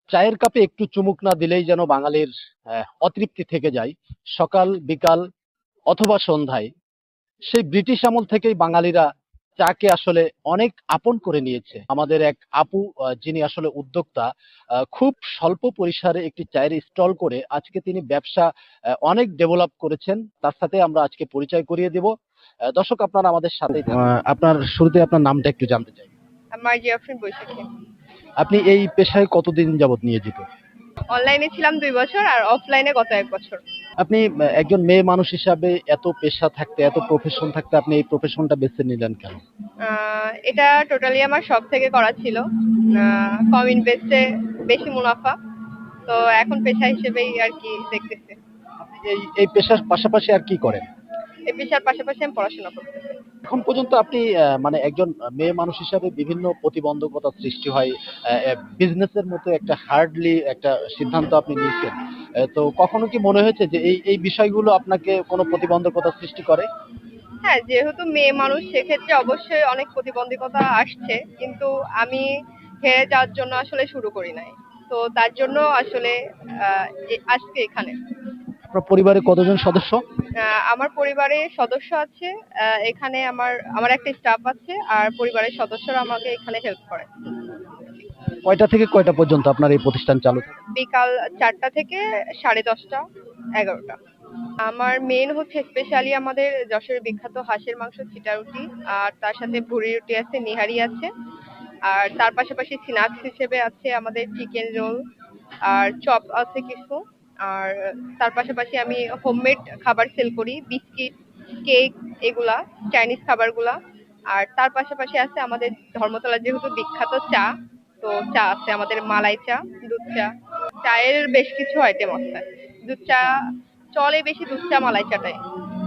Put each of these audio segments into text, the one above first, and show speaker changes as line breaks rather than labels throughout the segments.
চায়ের কাপে একটু চুমুক না দিলেই যেন বাঙালির অতৃপ্তি থেকে যায়। সকাল বিকাল অথবা সন্ধ্যায় সেই ব্রিটিশ আমল থেকেই বাঙালিরা চাকে আসলে অনেক আপন করে নিয়েছে। আমাদের এক আপু যিনি আসলে উদ্যোক্তা, খুব স্বল্প পরিসরে একটি চায়ের স্টল করে আজকে তিনি ব্যবসা অনেক ডেভেলপ করেছেন। তার সাথে আমরা আজকে পরিচয় করিয়ে দেব। দর্শক আপনারা আমাদের সাথেই থাকুন। আপনার শুরুতে আপনার নামটা একটু জানতে চাই।
আমার জিয়াফরিন বৈশাখী।
আপনি এই পেশায় কতদিন যাবত নিয়োজিত?
অনলাইনে ছিলাম ২ বছর আর অফলাইনে গত ১ বছর।
আপনি একজন মেয়ে মানুষ হিসাবে এত পেশা থাকতে, এত প্রফেশন থাকতে আপনি এই প্রফেশনটা বেছে নিলেন কেন?
এটা টোটালি আমার শখ থেকে করা ছিল। কম ইনভেস্টে বেশি মুনাফা। তো এখন পেশা হিসেবেই আর কি দেখতেছি।
আপনি এই এই পেশার পাশাপাশি আর কি করেন?
এই পেশার পাশাপাশি আমি পড়াশোনা করতেছি।
এখন পর্যন্ত আপনি মানে একজন মেয়ে মানুষ হিসাবে বিভিন্ন প্রতিবন্ধকতা সৃষ্টি হয়। বিজনেসের মতো একটা হার্ডলি একটা সিদ্ধান্ত আপনি নিয়েছেন। তো কখনো কি মনে হয়েছে যে এই বিষয়গুলো আপনাকে কোনো প্রতিবন্ধকতা সৃষ্টি করে?
হ্যাঁ, যেহেতু মেয়ে মানুষ সেক্ষেত্রে অবশ্যই অনেক প্রতিবন্ধকতা আসছে। কিন্তু আমি হেরে যাওয়ার জন্য আসলে শুরু করি নাই। তো তার জন্য আসলে আজকে এখানে।
আপনার পরিবারে কতজন সদস্য?
আমার পরিবারে সদস্য আছে। এখানে আমার আমার একটা স্টাফ আছে আর পরিবারের সদস্যরা আমাকে এখানে হেল্প করে।
কয়টা থেকে কয়টা পর্যন্ত আপনার এই প্রতিষ্ঠান চালু থাকে?
বিকাল ৪টা থেকে 10:30, 11টা। আমার মেইন হচ্ছে স্পেশালি আমাদের যশোরের বিখ্যাত হাঁসের মাংস ছিটা রুটি, আর তার সাথে ভুড়ি রুটি আছে, নিহারি আছে, আর তার পাশাপাশি স্ন্যাক্স হিসেবে আছে আমাদের চিকেন রোল আর চপ আছে কিছু। আর তার পাশাপাশি আমি হোমমেড খাবার সেল করি, বিস্কিট, কেক, এগুলা চাইনিজ খাবারগুলা। আর তার পাশাপাশি আছে আমাদের ধর্মতলা যেহেতু বিখ্যাত চা, তো চা আছে আমাদের মালাই চা, দুধ চা, চায়ের বেশ কিছু আইটেম আছে। দুধ চা চলে বেশি, দুধ চা মালাই চাটাই।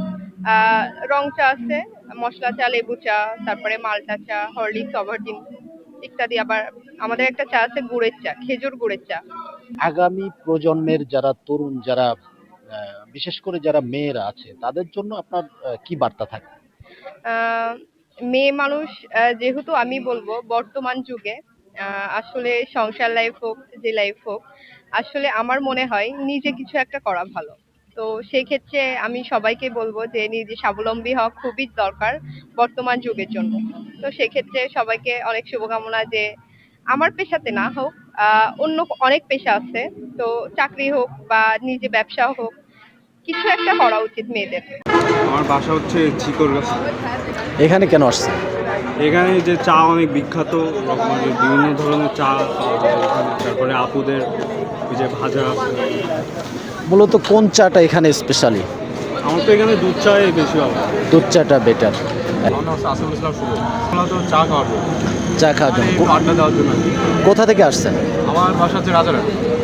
রং চা আছে, মশলা চা, লেবু চা, তারপরে মাল্টা চা, হরলিক্স, ওভালটিন ইত্যাদি। আবার আমাদের একটা চা আছে গুড়ের চা, খেজুর গুড়ের চা।
আগামী প্রজন্মের যারা তরুণ, যারা বিশেষ করে যারা মেয়েরা আছে তাদের জন্য আপনার কি বার্তা থাকে?
আহ, মেয়ে মানুষ যেহেতু আমি বলবো বর্তমান যুগে আসলে সংসার লাইফ হোক যে লাইফ হোক, আসলে আমার মনে হয় নিজে কিছু একটা করা ভালো। তো সেই ক্ষেত্রে আমি সবাইকে বলবো যে নিজে স্বাবলম্বী হওয়া খুবই দরকার বর্তমান যুগের জন্য। তো সেক্ষেত্রে সবাইকে অনেক শুভকামনা যে আমার পেশাতে না হোক, অন্য অনেক পেশা আছে। তো চাকরি হোক বা নিজে ব্যবসা হোক, কিছু একটা করা উচিত মেয়েদের।
আমার বাসা হচ্ছে চিকরগাছা।
এখানে কেন আসছে?
এখানে যে চা অনেক বিখ্যাত, রকমের বিভিন্ন ধরনের চা পাওয়া যায় এখানে। তারপরে আপুদের ওই যে ভাজা।
মূলত কোন চাটা এখানে স্পেশালি?
আমার তো এখানে দুধ চাই বেশি হবে।
দুধ চাটা বেটার।
আমার নাম হচ্ছে আসিফুল ইসলাম শুভ। আমরা তো চা খাওয়ার জন্য,
চা খাওয়ার জন্য
একটু আড্ডা দেওয়ার জন্য।
কোথা থেকে আসছেন?
আমার বাসা হচ্ছে রাজারহাট।